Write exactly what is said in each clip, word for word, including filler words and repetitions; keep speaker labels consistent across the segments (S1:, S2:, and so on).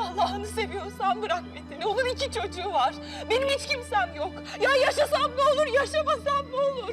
S1: Allah'ını seviyorsan bırak Metin'i. Onun iki çocuğu var. Benim hiç kimsem yok. Ya yaşasam ne olur, yaşamasam ne olur?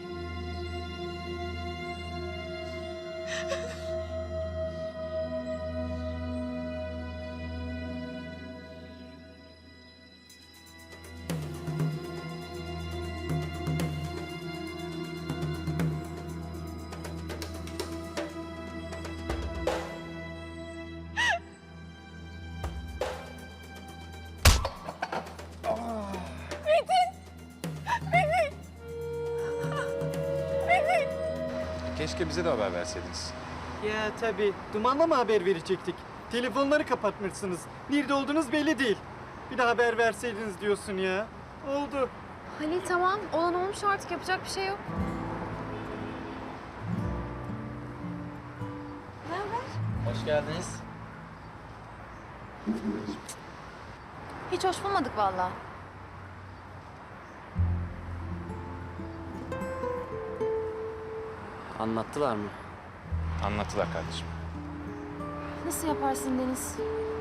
S2: Keşke bize de haber verseydiniz.
S3: Ya tabii. Dumanla mı haber verecektik? Telefonları kapatmışsınız. Nerede olduğunuz belli değil. Bir de haber verseydiniz diyorsun ya. Oldu.
S4: Halil tamam. Olan olmuş artık. Yapacak bir şey yok. Ne haber?
S5: Hoş geldiniz.
S4: Hiç hoş bulmadık vallahi.
S5: Anlattılar mı?
S2: Anlattılar kardeşim.
S4: Nasıl yaparsın Deniz?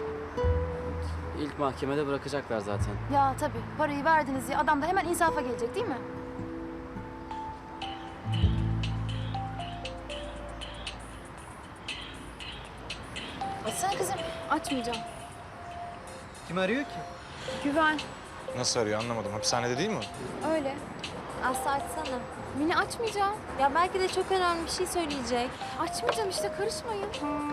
S5: İlk mahkemede bırakacaklar zaten.
S4: Ya tabii. Parayı verdiniz ya. Adam da hemen insafa gelecek değil mi? Açsana kızım. Açmayacağım.
S3: Kim arıyor ki?
S4: Güven.
S2: Nasıl arıyor anlamadım. Hapishanede değil mi?
S4: Öyle.
S6: Aslı açsana.
S4: Mine açmayacağım.
S6: Ya belki de çok önemli bir şey söyleyecek.
S4: Açmayacağım işte. Karışmayın.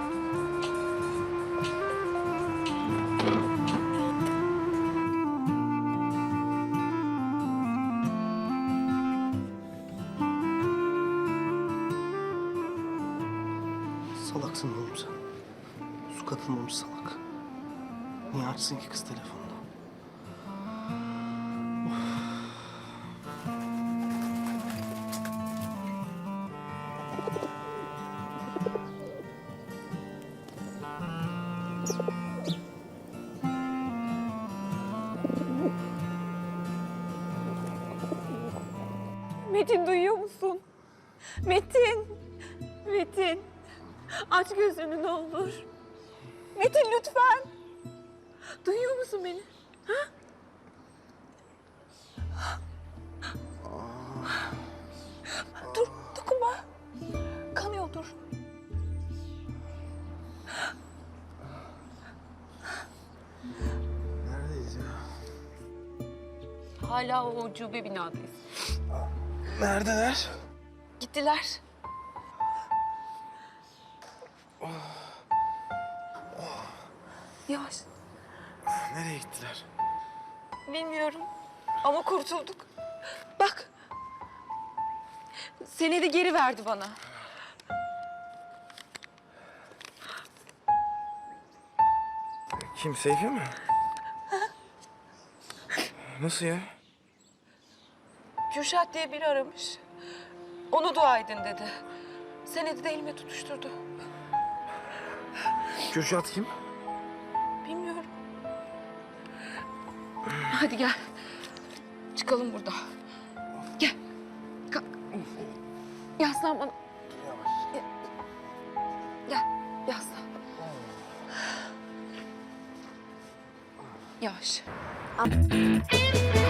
S7: Salaksın oğlum sen. Su katılmamış salak. Niye açsın ki kız telefonunu?
S1: Metin duyuyor musun? Metin! Metin! Aç gözünü ne olur. Metin lütfen! Duyuyor musun beni? Ha? Dur, dokunma. Kanıyor, dur.
S7: Neredeyiz ya?
S1: Hala o ucube binadayız.
S7: Neredeler?
S1: Gittiler. Yavaş.
S7: Nereye gittiler?
S1: Bilmiyorum ama kurtulduk. Bak. Senedi geri verdi bana.
S7: Kim, Seyfi mi? Nasıl ya?
S1: Kürşat diye biri aramış. Onu dua edin dedi. Senedi de elime tutuşturdu.
S7: Kürşat kim?
S1: Bilmiyorum. Hadi gel. Çıkalım burada. Gel. Kalk. Yaslan bana. Gel. Gel. Yaslan. Yavaş.